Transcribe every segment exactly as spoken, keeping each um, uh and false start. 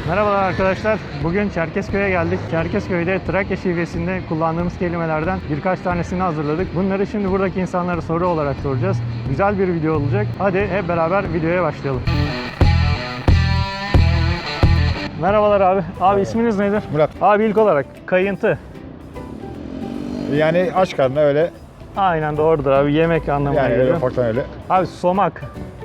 Merhabalar arkadaşlar. Bugün Çerkezköy'e geldik. Çerkezköy'de Trakya şivesinde kullandığımız kelimelerden birkaç tanesini hazırladık. Bunları şimdi buradaki insanlara soru olarak soracağız. Güzel bir video olacak. Hadi hep beraber videoya başlayalım. Merhabalar abi. Abi isminiz nedir? Murat. Abi ilk olarak kayıntı. Yani aç karnına öyle. Aynen doğrudur abi. Yemek anlamına Yani öyle geliyor. ufaktan öyle. Abi somak.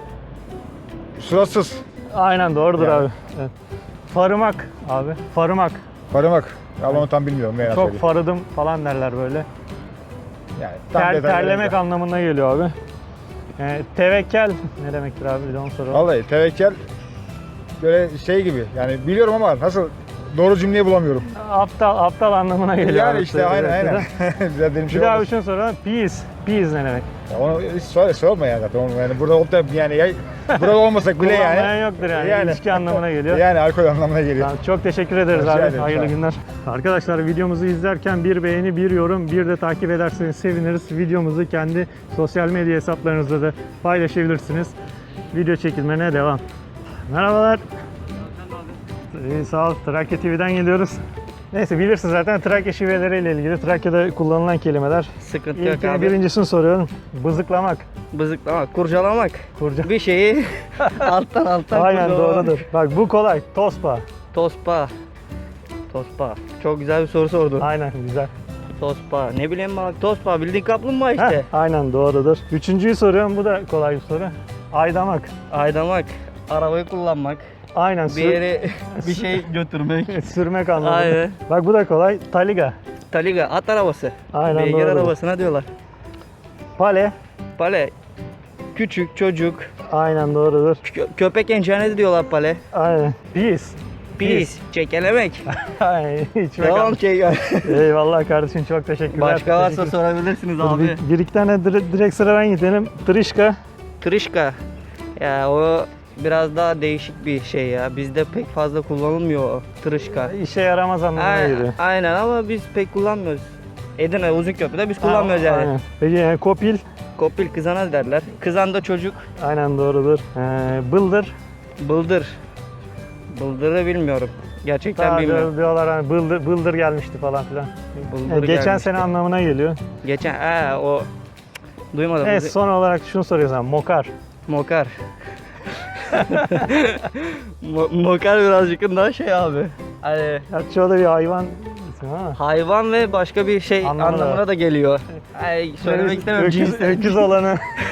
Suratsız. Aynen doğrudur Yani. abi. Evet. Farımak abi. Farımak. Farımak. Allah onu tam bilmiyorum. Ne Çok söyleyeyim. farıdım falan derler böyle. Yani tam Ter, detaylı terlemek değil. anlamına geliyor abi. Ee, tevekkel ne demektir abi? Bir de onu soralım. Vallahi tevekkel böyle şey gibi. Yani biliyorum ama nasıl doğru cümleyi bulamıyorum. Aptal, aptal anlamına geliyor. Yani abi. işte aynen Evet, aynen. evet. Güzel benim Bir şey daha olmaz. bir şey soralım. Peace. Peace ne demek? Ya onu hiç söyle, sorma yani zaten. Onu yani burada olup da yani ya, burada olmasak bile yani. Kullanmayan yoktur yani. Yani. İlişki anlamına geliyor. Yani alkol anlamına geliyor. Tamam, çok teşekkür ederiz Rica abi. ederim, Hayırlı sağ ol. günler. Arkadaşlar videomuzu izlerken bir beğeni, bir yorum, bir de takip ederseniz seviniriz. Videomuzu kendi sosyal medya hesaplarınızda da paylaşabilirsiniz. Video çekilmene devam. Merhabalar. İyi, sağ ol. Trakya T V'den geliyoruz. Neyse bilirsin zaten Trakya şiveleriyle ilgili Trakya'da kullanılan kelimeler. Sıkıntı yok İlkini abi. birincisini soruyorum. Bızıklamak. Bızıklamak, kurcalamak. Kurca. Bir şeyi alttan alttan Aynen kurcalamak. doğrudur. Bak bu kolay. Tospa. Tospa. Tospa. Çok güzel bir soru sordun. Aynen güzel. Tospa. Ne bileyim bak tospa bildiğin kaplumbağa işte. Heh, aynen doğrudur. Üçüncüyü soruyorum. Bu da kolay bir soru. Aydamak. Aydamak. Arabayı kullanmak. Aynen. Bir Sür, yere bir şey götürmek. sürmek anlamında. Aynen. Bak bu da kolay. Taliga. Taliga at arabası. Aynen Beygir doğru. arabasına diyorlar. Pale. Pale. Küçük çocuk. Aynen doğrudur. Kö- köpek encanesi diyorlar pale. Aynen. Peace. Pis. Çekelemek. Aynen. İçmek Devam anlamında. şey. Eyvallah kardeşim çok teşekkürler. Başka varsa Teşekkür- sorabilirsiniz Dur, abi. Bir, bir iki tane dire- direkt sıradan gidelim. Trişka. Tırışka. Ya o biraz daha değişik bir şey ya. Bizde pek fazla kullanılmıyor o tırışka. İşe yaramaz anlamına Aynen, geliyor. aynen ama biz pek kullanmıyoruz. Edirne Uzunköprü'de biz kullanmıyoruz yani. Aynen. Peki yani kopil. Kopil kızana derler. Kızan da çocuk. Aynen doğrudur. Ee, bıldır. Bıldır. Bıldırı bilmiyorum. Gerçekten Daha bilmiyorum. diyorlar hani bıldır, bıldır gelmişti falan filan. Bıldır Yani geçen gelmişti. sene anlamına geliyor. Geçen ee, o duymadım. Evet son olarak şunu soruyorsun. Mokar. Mokar. Mo- Mokar birazcık daha şey abi. Hani Gerçi o da bir hayvan ismi ama. hayvan ve başka bir şey Anlamına anlamına, da. da geliyor. Ay, söylemek istemem. Öküz, Cins- öküz olanı.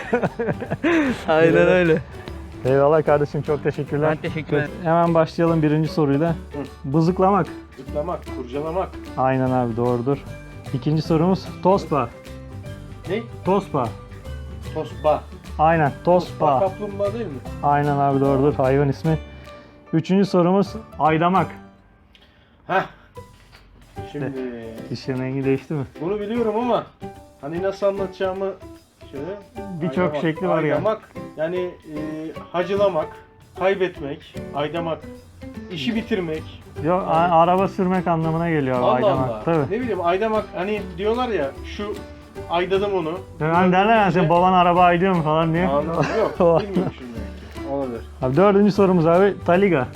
Aynen öyle. Eyvallah kardeşim çok teşekkürler. Ben teşekkür ederim. Hemen başlayalım birinci soruyla. Bızıklamak. Zıplamak, kurcalamak. Aynen abi doğrudur. İkinci sorumuz tospa. Ne? Tospa. Tosba. Aynen tospa. Kaplumbağa değil mi? Aynen abi doğrudur hayvan ismi. Üçüncü sorumuz aydamak. Heh. Şimdi İşin rengi değişti mi? bunu biliyorum ama hani nasıl anlatacağımı şöyle. Birçok Aydamak, şekli var ya. Aydamak yani e, hacılamak, kaybetmek, aydamak, işi bitirmek. Yok a- araba sürmek anlamına geliyor abi Allah aydamak. Allah. Tabii. Ne bileyim aydamak hani diyorlar ya şu aydadım onu. Yani derler ya sen baban araba aydıyor mu falan diye. Anladım yok bilmiyorum şimdi. Olabilir. Abi dördüncü sorumuz abi Taliga.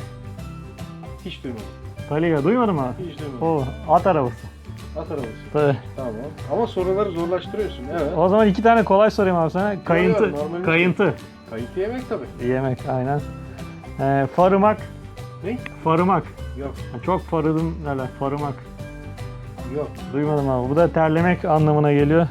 Hiç duymadım. Taliga duymadın mı abi? Hiç duymadım. O at arabası. At arabası. Tabii. Tamam. Ama soruları zorlaştırıyorsun. Evet. O zaman iki tane kolay sorayım abi sana. Kayıntı. yok, normalde- Kayıntı. Kayıt yemek tabii. Yemek aynen. Ee, farımak. Ne? Farımak. Yok. Çok farıdım derler. Farımak. Yok. Duymadım abi. Bu da terlemek anlamına geliyor.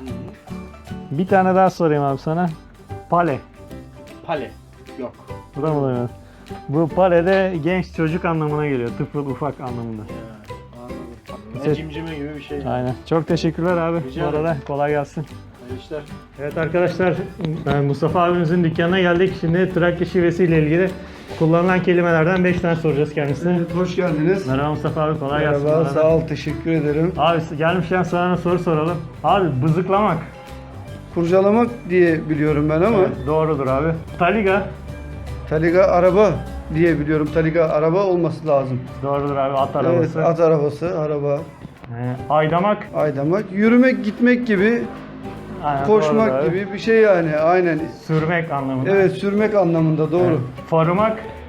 Bir tane daha sorayım abi sana. Pale. Pale. Yok. Bu da mı duymadın? Bu pale de genç çocuk anlamına geliyor. Tıfıl ufak anlamında. Ya, anladım. Şey- Ne cimcime gibi bir şey. Aynen. Çok teşekkürler abi. Rica Bu arada ederim. kolay gelsin. Hayırlı işler. Evet arkadaşlar, ben Mustafa abimizin dükkanına geldik. Şimdi Trakya şivesiyle ilgili kullanılan kelimelerden beş tane soracağız kendisine. Evet, hoş geldiniz. Merhaba Mustafa abi, kolay gelsin. Merhaba, bana. sağ ol, teşekkür ederim. Abi gelmişken sana soru soralım. Abi bızıklamak. Kurcalamak diye biliyorum ben ama Doğrudur abi. Taliga. Taliga araba diye biliyorum. Taliga araba olması lazım. Doğrudur abi, at Evet, arabası. at arabası, araba. Ee, aydamak. Aydamak, yürümek, gitmek gibi, Aynen, doğrudur koşmak abi. gibi bir şey yani. Aynen. Sürmek anlamında. Evet, sürmek anlamında doğru. Evet. Farımak.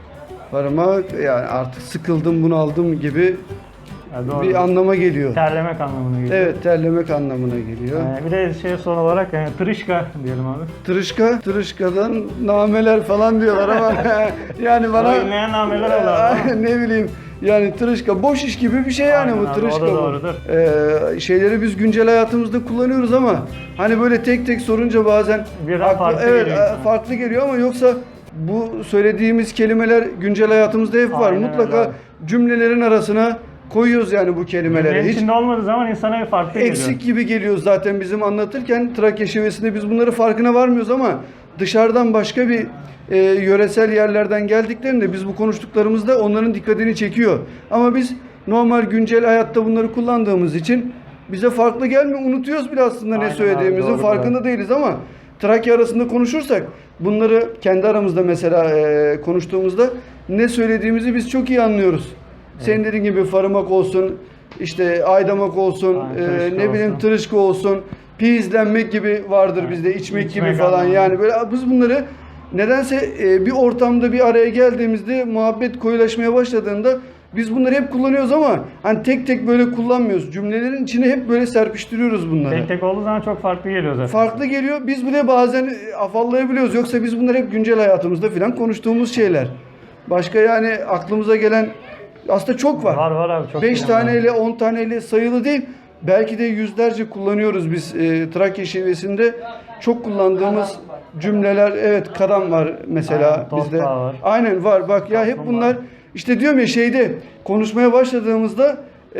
Farıma yani artık sıkıldım, bunaldım gibi Ya doğru. bir anlama geliyor. Terlemek anlamına geliyor. Evet, terlemek anlamına geliyor. Ee, bir de şey son olarak yani tırışka diyelim abi. Tırışka, tırışkadan nameler falan diyorlar ama yani bana Ama dinleyen nameler olur ama. ne bileyim yani tırışka boş iş gibi bir şey yani Aynen bu abi, tırışka o da bu. doğrudur. Ee, şeyleri biz güncel hayatımızda kullanıyoruz ama hani böyle tek tek sorunca bazen Birden farklı evet, geliyor insana. farklı geliyor ama yoksa bu söylediğimiz kelimeler güncel hayatımızda hep var. Aynen Mutlaka öyle abi. cümlelerin arasına koyuyoruz yani bu kelimeleri. Cümlenin Hiç içinde olmadığı zaman insana bir farklı geliyor. eksik gibi geliyor zaten bizim anlatırken Trakya şivesinde biz bunları farkına varmıyoruz ama dışarıdan başka bir e, yöresel yerlerden geldiklerinde biz bu konuştuklarımızda onların dikkatini çekiyor. Ama biz normal güncel hayatta bunları kullandığımız için bize farklı gelmiyor. Unutuyoruz bile aslında Aynen ne abi, söylediğimizin doğru, farkında doğru. değiliz ama Trakya arasında konuşursak bunları kendi aramızda mesela e, konuştuğumuzda ne söylediğimizi biz çok iyi anlıyoruz. Senin dediğin gibi farımak olsun, işte aydamak olsun, Aynen, e, tırışka ne bileyim olsun. tırışka olsun, pizlenmek gibi vardır Aynen. bizde, içmek, İçmek gibi falan. anlamında. Yani böyle biz bunları nedense e, bir ortamda bir araya geldiğimizde muhabbet koyulaşmaya başladığında biz bunları hep kullanıyoruz ama hani tek tek böyle kullanmıyoruz. Cümlelerin içine hep böyle serpiştiriyoruz bunları. Tek tek olduğu zaman çok farklı geliyor zaten. Farklı geliyor. Biz bile bazen e, afallayabiliyoruz. Yoksa biz bunları hep güncel hayatımızda falan konuştuğumuz şeyler. Başka yani aklımıza gelen aslında çok var. Var var abi çok. beş kelime var. taneyle on taneyle sayılı değil. Belki de yüzlerce kullanıyoruz biz e, Trakya şivesinde. Çok kullandığımız cümleler, evet kadam var mesela Aynen, tosbağa bizde. var. Aynen var bak ya hep Kaplumbağa. bunlar işte diyorum ya şeyde konuşmaya başladığımızda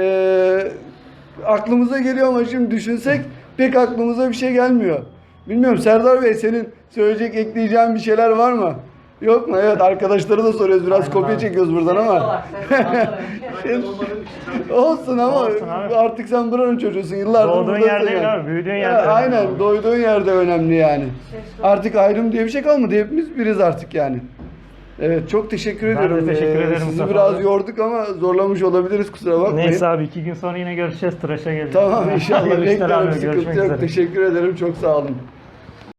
e, aklımıza geliyor ama şimdi düşünsek pek aklımıza bir şey gelmiyor. Bilmiyorum Serdar Bey senin söyleyecek ekleyeceğin bir şeyler var mı? Yok mu? Evet arkadaşları da soruyoruz biraz Aynen kopya abi. çekiyoruz buradan ama. Olsun ama Olsun abi. artık sen buranın çocuğusun yıllardır Doğduğun buradasın yer değil yani. abi, büyüdüğün Ya, yerde önemli aynen abi. doyduğun yerde önemli yani. Artık ayrım diye bir şey kalmadı hepimiz biriz artık yani. Evet çok teşekkür Ben de ediyorum. teşekkür Ee, ederim Sizi Mustafa biraz abi. yorduk ama zorlamış olabiliriz kusura bakmayın. Neyse abi iki gün sonra yine görüşeceğiz. Tıraşa geleceğiz. Tamam inşallah Görüşler abi, beklerim görüşmek sıkıntı yok. üzere. Teşekkür ederim çok sağ olun.